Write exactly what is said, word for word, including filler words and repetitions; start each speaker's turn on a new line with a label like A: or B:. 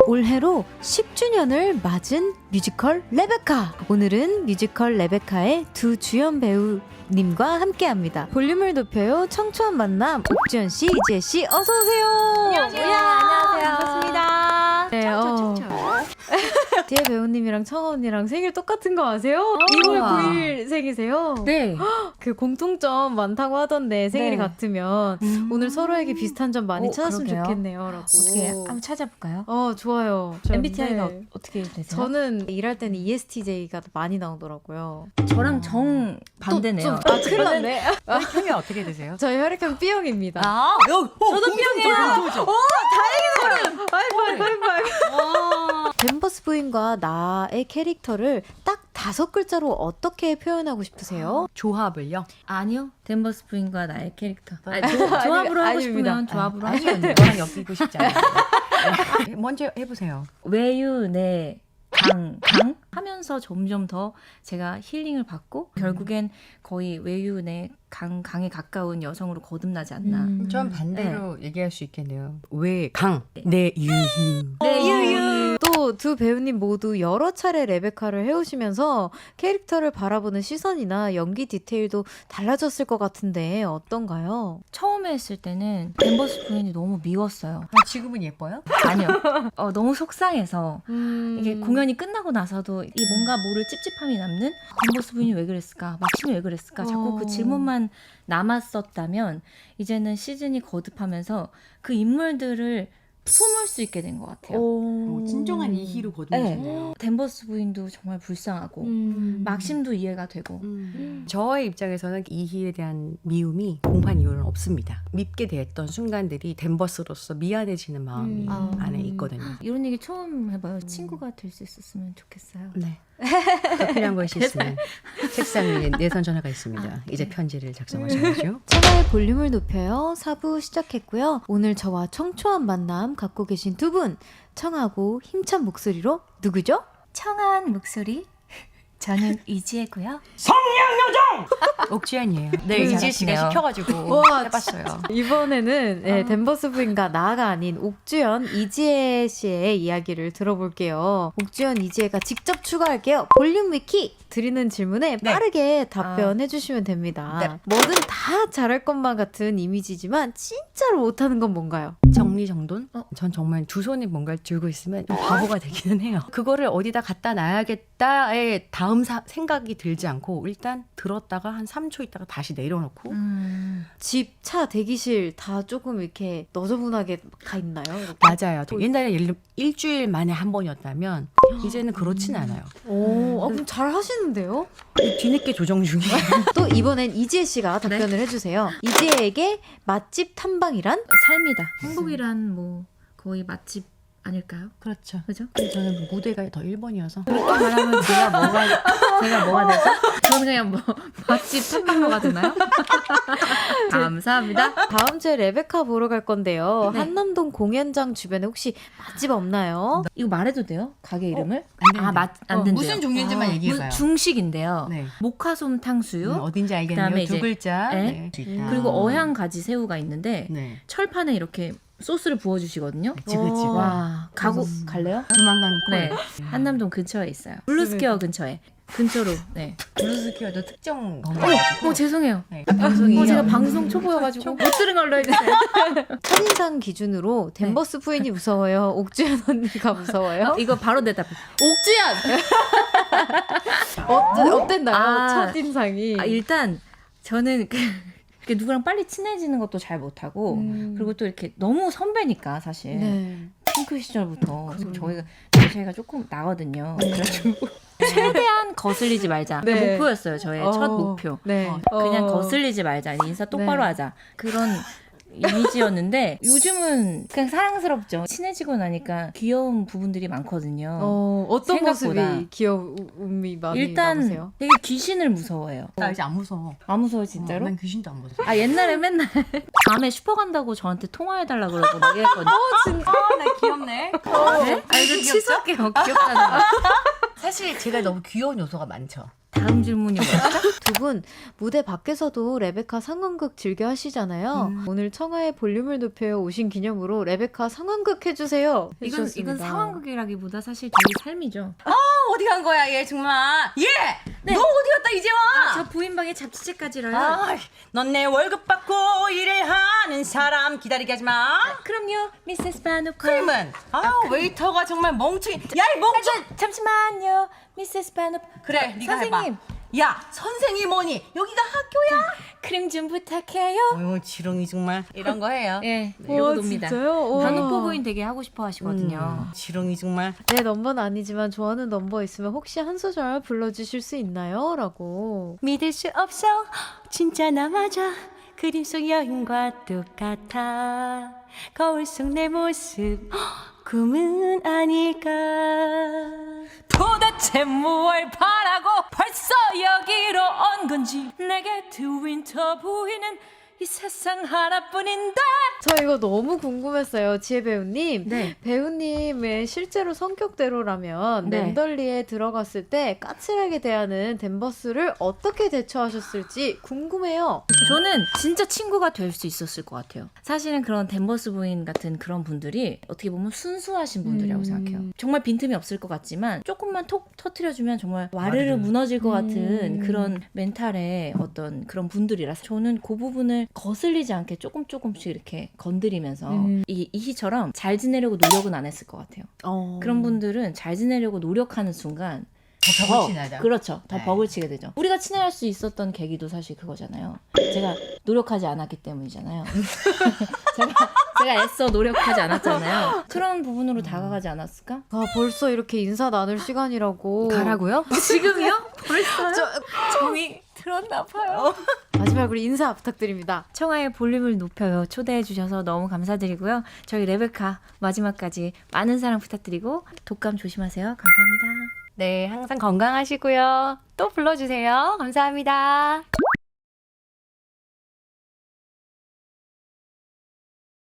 A: 올해로 십 주년을 맞은 뮤지컬 레베카. 오늘은 뮤지컬 레베카의 두 주연 배우님과 함께합니다. 볼륨을 높여요. 청초한 만남 옥주현 씨, 이지혜 씨, 어서 오세요.
B: 안녕하세요. 안녕하세요.
A: 반갑습니다. 네,
B: 청초,
A: 어.
B: 청초.
A: 지혜 배우님이랑 청아 언니랑 생일 똑같은 거 아세요? 이월 구일 생이세요?
B: 네.
A: 그 공통점 많다고 하던데 생일이
B: 네.
A: 같으면
B: 음.
A: 오늘 서로에게 비슷한 점 많이
B: 오,
A: 찾았으면
B: 그러게요.
A: 좋겠네요. 라고.
B: 어떻게 한번 찾아볼까요?
A: 어, 좋아요. 저-
B: 엠비티아이가
A: 네.
B: 어떻게 되세요?
A: 저는 일할 때는 이에스티제이가 많이 나오더라고요.
B: 저랑 정 반대네요.
A: 또, 좀, 아, 큰일 났네.
C: 혈액형이 어떻게 되세요?
A: 저희 혈액형 B형입니다.
B: 아,
C: 저도 B형이에요.
A: 하이파이브, 하이파이브. 댄버스 부인과 나의 캐릭터를 딱 다섯 글자로 어떻게 표현하고 싶으세요?
C: 조합을요?
B: 아니요. 댄버스 부인과 나의 캐릭터. 아니, 조, 조합으로 하고
A: 아닙니다.
B: 싶으면 조합으로
C: 아니,
B: 하시면 돼요.
C: 너랑 엮이고 싶지 않아요. 네, 먼저 해보세요.
B: 외유 내 강, 강 하면서 점점 더 제가 힐링을 받고 결국엔 거의 외유 내 강, 강에 가까운 여성으로 거듭나지 않나.
A: 음.
C: 전 반대로 얘기할 수 있겠네요. 왜 강, 내 유유.
B: 네, 유유.
A: 또 두 배우님 모두 여러 차례 레베카를 해오시면서 캐릭터를 바라보는 시선이나 연기 디테일도 달라졌을 것 같은데 어떤가요?
B: 처음에 했을 때는 댄버스 부인이 너무 미웠어요.
C: 아, 지금은 예뻐요?
B: 아니요. 어, 너무 속상해서
A: 음...
B: 이게 공연이 끝나고 나서도 이 뭔가 모를 찝찝함이 남는 댄버스 부인이 왜 그랬을까? 막신이 왜 그랬을까? 자꾸
A: 어.
B: 그 질문만 남았었다면 이제는 시즌이 거듭하면서 그 인물들을 품을 수 있게 된 것 같아요.
A: 오...
C: 거듭나셨네요.
B: 댄버스 부인도 정말 불쌍하고
A: 음...
B: 막심도 이해가 되고
C: 음. 저의 입장에서는 이희에 대한 미움이 공판 이유는 없습니다. 밉게 대했던 순간들이 댄버스로서 미안해지는 마음이
A: 음.
C: 안에 있거든요.
B: 이런 얘기 처음 해봐요. 친구가 될 수 있었으면 좋겠어요.
C: 네. 더 필요한 것이 있으면 책상 위에 내선 전화가 있습니다. 이제 편지를 작성하셔야죠.
A: 천하의 볼륨을 높여요. 사 부 시작했고요. 오늘 저와 청초한 만남 갖고 계신 두 분 청하고 힘찬 목소리로 누구죠?
B: 청아한 목소리 저는 이지혜고요.
C: 옥주현이에요. 네,
B: 음,
C: 이지혜 씨가
B: 잘하시네요.
C: 시켜가지고
A: 와,
C: 해봤어요.
A: 이번에는 네,
B: 아.
A: 댄버스 부인과 나가 아닌 옥주현, 이지혜 씨의 이야기를 들어볼게요. 옥주현, 이지혜가 직접 추가할게요. 볼륨 위키 드리는 질문에
C: 네.
A: 빠르게 답변해 주시면 됩니다.
C: 네.
A: 뭐든 다 잘할 것만 같은 이미지지만 진짜로 못하는 건 뭔가요?
C: 정리정돈? 어, 전 정말 두 손에 뭔가를 들고 있으면 좀 바보가 되기는 해요. 그거를 어디다 갖다 놔야겠다의 다음 사, 생각이 들지 않고 일단 들었다가 한 삼 초 있다가 다시 내려놓고
B: 음.
A: 집, 차, 대기실 다 조금 이렇게 너저분하게 가 있나요? 이렇게?
C: 맞아요. 옛날에 예를 들면 일주일 만에 한 번이었다면 이제는 그렇진 않아요.
A: 오, 아, 그럼 잘 하시는데요?
C: 뒤늦게 조정 중이에요.
A: 또 이번엔 이지혜 씨가 답변을 해주세요. 이지혜에게 맛집 탐방이란?
B: 삶이다. 행복이란 뭐 거의 맛집 아닐까요?
C: 그렇죠.
B: 그죠?
C: 저는 무대가 더 일 번이어서
B: 그렇게 말하면 제가 뭐가 제가 뭐가 되죠? 저는 그냥 뭐 맛집 탐방로가 되나요? 감사합니다.
A: 다음 주에 레베카 보러 갈 건데요.
B: 네.
A: 한남동 공연장 주변에 혹시 맛집 없나요?
B: 이거 말해도 돼요? 가게 이름을?
C: 안
B: 아, 맛 안 된대요.
C: 무슨 종류인지만
B: 아,
C: 얘기해봐요.
B: 중식인데요.
C: 네.
B: 목화솜 탕수육
C: 음, 어딘지 알겠네요.
B: 그다음에
C: 두
B: 이제-
C: 글자.
B: 네.
C: 네. 있다.
B: 그리고 어향 가지 새우가 있는데
C: 네.
B: 철판에 이렇게 소스를 부어주시거든요.
C: 지그지그.
B: 와, 가고 갈래요?
C: 조만간
B: 네,
C: 콜.
B: 한남동 근처에 있어요. 블루스퀘어 근처에. 근처로. 네.
C: 블루스퀘어도 특정
B: 어,
C: 건가가지고.
B: 어 죄송해요.
C: 네. 방송이
B: 어, 제가 방송 초보여가지고 못 들은 걸로 해주세요.
A: 첫인상 기준으로 댄버스 부인이 무서워요? 옥주현 언니가 무서워요?
B: 어, 이거 바로 대답해. 옥주현.
A: 어땠, 어땠나요?
B: 아,
A: 첫인상이.
B: 아, 일단 저는 그, 이렇게 누구랑 빨리 친해지는 것도 잘 못하고
A: 음.
B: 그리고 또 이렇게 너무 선배니까 사실
A: 네.
B: 핑크 시절부터
A: 그럼.
B: 저희가 나이가 조금 나거든요. 그래가지고 최대한 거슬리지 말자. 그
A: 네.
B: 목표였어요. 저의
A: 어,
B: 첫 목표.
A: 네.
B: 그냥
A: 어.
B: 거슬리지 말자. 인사 똑바로
A: 네.
B: 하자. 그런 이미지였는데 요즘은 그냥 사랑스럽죠. 친해지고 나니까 귀여운 부분들이 많거든요.
A: 어, 어떤
B: 생각보다.
A: 모습이 귀여움이 많이
B: 일단
A: 남으세요?
B: 되게 귀신을 무서워해요.
C: 나 이제 안 무서워.
B: 안 무서워 진짜로?
C: 난 귀신도 안 무서워.
B: 아 옛날에 맨날 밤에 슈퍼 간다고 저한테 통화해달라 그러고 막 이랬거든요.
C: 아, 나 귀엽네.
B: 네? 아 이거 치솟게요. 귀엽다는 거.
C: 사실 제가 너무 귀여운 요소가 많죠.
B: 다음 질문이 뭐였죠?
A: 두 분 무대 밖에서도 레베카 상황극 즐겨 하시잖아요.
C: 음.
A: 오늘 청하의 볼륨을 높여 오신 기념으로 레베카 상황극 해주세요.
B: 이건
A: 해주셨습니다.
B: 이건 상황극이라기보다 사실 저희 삶이죠.
C: 어디 간 거야 얘 정말. 얘!
B: 네.
C: 너 어디 갔다 이제 와?
B: 저 부인방에 잡지책까지라요.
C: 아, 넌 내 월급 받고 일을 하는 사람 기다리게 하지 마.
B: 그럼요, 미세스 바누카.
C: 그러면 아, 웨이터가 정말 멍청이. 야, 이 멍청.
B: 잠시만요, 미세스 바누카.
C: 그래, 네가
B: 선생님.
C: 해봐. 야, 선생이 뭐니? 여기가 학교야?
B: 크림 좀 부탁해요.
C: 어휴, 지렁이 정말 이런 거 해요.
B: 예,
A: 와,
B: 이러고 놉니다.
A: 진짜요? 와.
B: 바누포 부인 되게 하고 싶어 하시거든요.
C: 음, 지렁이 정말.
A: 내 넘버는 아니지만 좋아하는 넘버 있으면 혹시 한 소절 불러주실 수 있나요? 라고.
C: 믿을 수 없어, 진짜 나 맞아. 그림 속 여인과 똑같아. 거울 속 내 모습 꿈은 아닐까.
B: 도대체 무얼 바라고 벌써 여기로 온 건지 내게 두 윈터 부인은 이 세상 하나뿐인데.
A: 저 이거 너무 궁금했어요. 지혜 배우님.
B: 네.
A: 배우님의 실제로 성격대로라면
B: 네.
A: 멤덜리에 들어갔을 때 까칠하게 대하는 댄버스를 어떻게 대처하셨을지 궁금해요.
B: 저는 진짜 친구가 될 수 있었을 것 같아요. 사실은 그런 댄버스 부인 같은 그런 분들이 어떻게 보면 순수하신 분들이라고
A: 음.
B: 생각해요. 정말 빈틈이 없을 것 같지만 조금만 톡 터트려주면 정말 와르르
C: 와르르.
B: 무너질 것 같은
A: 음.
B: 그런 멘탈의 어떤 그런 분들이라서 저는 그 부분을 거슬리지 않게 조금 조금씩 이렇게 건드리면서
A: 음.
B: 이 이희처럼 잘 지내려고 노력은 안 했을 것 같아요.
A: 어.
B: 그런 분들은 잘 지내려고 노력하는 순간
C: 더 벽을 친하다.
B: 그렇죠. 더
C: 네.
B: 벅을 치게 되죠. 우리가 친해할 수 있었던 계기도 사실 그거잖아요. 제가 노력하지 않았기 때문이잖아요. 제가, 제가 애써 노력하지 않았잖아요. 그런 부분으로 다가가지 않았을까?
A: 아, 벌써 이렇게 인사 나눌 시간이라고.
C: 가라고요?
B: 지금이요? 벌써요? 정이 들었나 봐요.
A: 마지막으로 인사 부탁드립니다.
B: 청하의 볼륨을 높여요. 초대해 주셔서 너무 감사드리고요. 저희 레베카 마지막까지 많은 사랑 부탁드리고 독감 조심하세요. 감사합니다.
C: 네, 항상 건강하시고요. 또 불러주세요. 감사합니다.